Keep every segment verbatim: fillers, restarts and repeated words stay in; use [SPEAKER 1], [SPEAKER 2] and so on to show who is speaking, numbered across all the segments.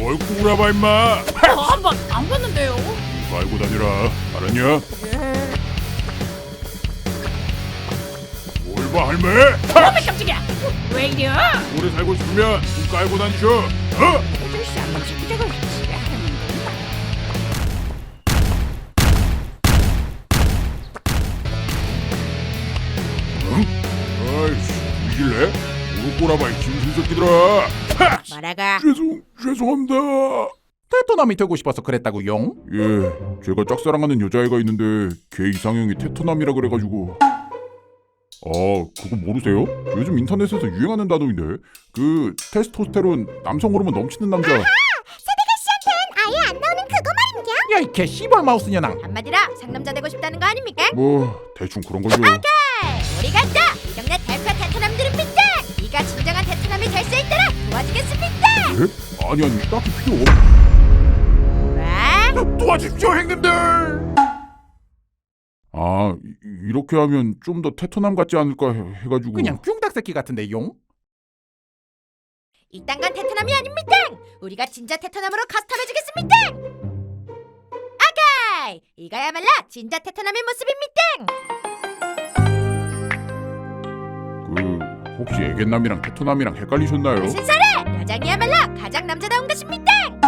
[SPEAKER 1] 뭘 꾸라봐 임마.
[SPEAKER 2] 저 한번 안 봤는데요.
[SPEAKER 1] 이거 알고 다니라. 알았냐?
[SPEAKER 2] 예.
[SPEAKER 1] 뭘 봐 할매?
[SPEAKER 2] 어메 깜짝이야. 왜 이래?
[SPEAKER 1] 오래 살고 싶으면 눈 깔고 다니셔. 어?
[SPEAKER 2] 아저씨 한 번씩 기대고 있지.
[SPEAKER 1] 응? 아이씨, 이길래? 뭘 꼬라봐 이 짐승 새끼들아. 하!
[SPEAKER 2] 뭐라가?
[SPEAKER 1] 죄송, 죄송합니다.
[SPEAKER 3] 테토남이 되고 싶어서 그랬다고요?
[SPEAKER 1] 예, 제가 짝사랑하는 여자애가 있는데 걔 이상형이 테토남이라 그래가지고. 아, 그거 모르세요? 요즘 인터넷에서 유행하는 단어인데 그 테스토스테론, 남성 호르몬 넘치는 남자.
[SPEAKER 4] 세대가 씨한텐 아예 안 나오는 그거 말입니다.
[SPEAKER 3] 야 이 개 씨벌 마우스 년왕.
[SPEAKER 2] 한마디로 상남자 되고 싶다는 거 아닙니까?
[SPEAKER 1] 뭐 대충 그런 거죠.
[SPEAKER 2] 우리 간다. 이 동네 대표 테토남들입니다. 네가 진정한 테토남이 될 수 있도록 도와주겠습니다.
[SPEAKER 1] 예? 아니 아니 딱히 필요 없.
[SPEAKER 2] 와?
[SPEAKER 1] 도와주십시오 형님들. 아 이- 이렇게 하면 좀 더 테토남 같지 않을까 해, 해가지고.
[SPEAKER 3] 그냥 흉닭 새끼 같은데 용?
[SPEAKER 2] 이딴 건 테토남이 아닙니다. 우리가 진짜 테토남으로 커스텀해주겠습니다. 아가이, 이거야말로 진짜 테토남의 모습입니다.
[SPEAKER 1] 그 혹시 애견남이랑 테토남이랑 헷갈리셨나요?
[SPEAKER 2] 무슨 소리? 여장이야말로 가장 남자다운 것입니다.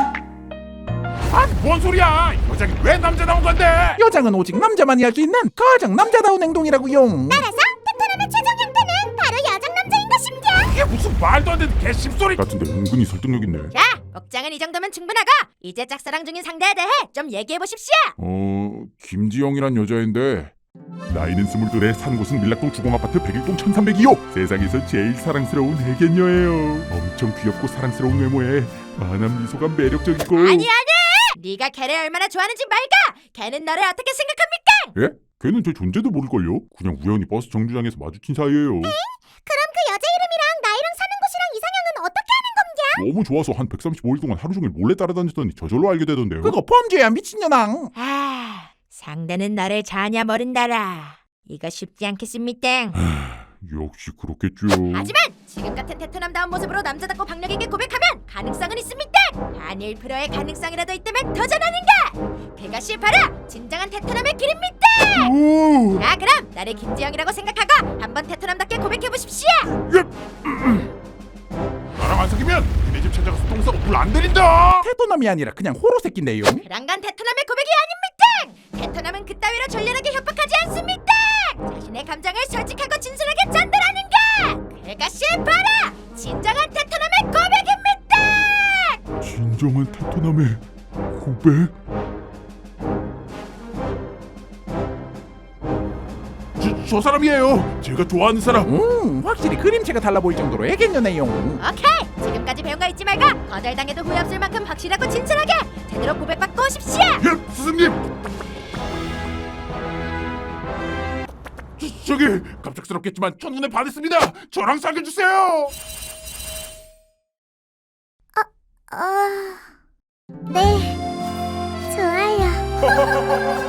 [SPEAKER 1] 아니 뭔 소리야? 여자기 왜 남자 나온 건데?
[SPEAKER 3] 여장은 오직 남자만이 할 수 있는 가장 남자다운 행동이라고 용.
[SPEAKER 4] 따라서 테토남의 최종 형태는 바로 여장 남자인 것입니다.
[SPEAKER 1] 이게 무슨 말도 안 되는 개씹소리 같은데 은근히 설득력 있네.
[SPEAKER 2] 자, 복장은 이 정도면 충분하고 이제 짝사랑 중인 상대에 대해 좀 얘기해 보십시오.
[SPEAKER 1] 어 김지영이란 여자인데 나이는 스물둘에 사는 곳은 밀락동 주공아파트 백일동 천삼백이호. 세상에서 제일 사랑스러운 애견녀예요. 엄청 귀엽고 사랑스러운 외모에 만한 미소가 매력적이고.
[SPEAKER 2] 아니 아니, 네가 걔를 얼마나 좋아하는지 말까. 걔는 너를 어떻게 생각합니까?
[SPEAKER 1] 예? 걔는 제 존재도 모를걸요? 그냥 우연히 버스 정류장에서 마주친 사이예요.
[SPEAKER 4] 그럼 그 여자 이름이랑 나이랑 사는 곳이랑 이상형은 어떻게 하는 겁니다?
[SPEAKER 1] 너무 좋아서 한 백삼십오 일 동안 하루 종일 몰래 따라다녔더니 저절로 알게 되던데요.
[SPEAKER 3] 그거 범죄야 미친년왕.
[SPEAKER 2] 아, 상대는 너를 전혀 모른다라. 이거 쉽지 않겠습니까?
[SPEAKER 1] 역시 그렇겠죠.
[SPEAKER 2] 하지만 지금 같은 테토남다운 모습으로 남자답고 박력있게 고백하면 가능성은 있습니다. 한 일 퍼센트의 가능성이라도 있다면 도전하는가? 그것이 바로 진정한 테토남의 길입니다.
[SPEAKER 1] 오!
[SPEAKER 2] 자, 그럼 나를 김지영이라고 생각하고 한번 테토남답게 고백해보십시오.
[SPEAKER 1] 나랑 안 사귀면 니네 집 찾아가서 똥 싸고 불 안 들인다.
[SPEAKER 3] 테토남이 아니라 그냥 호로 새끼인데 용.
[SPEAKER 2] 그런 건 테토남의 고백이 아닙니다. 테토남은 그따위로 전련하게 협박하지 않습니다. 자신의 감정을 솔직하고 진솔하게 전달하는 것, 그것이 바로 진정한 테토남의 고백입니다.
[SPEAKER 1] 진정한 테토남의 고백? 저, 저 사람이에요. 제가 좋아하는 사람.
[SPEAKER 3] 음 확실히 그림체가 달라 보일 정도로 애견녀네 용.
[SPEAKER 2] 오케이, 지금까지 배운 거 잊지 말고 거절당해도 후회 없을 만큼 확실하고 진솔하게 제대로 고백받고 오십시오.
[SPEAKER 1] 예, 스승님. 저, 저기 갑작스럽겠지만 첫눈에 반했습니다. 저랑 사귀어주세요.
[SPEAKER 4] 어... 네, 좋아요.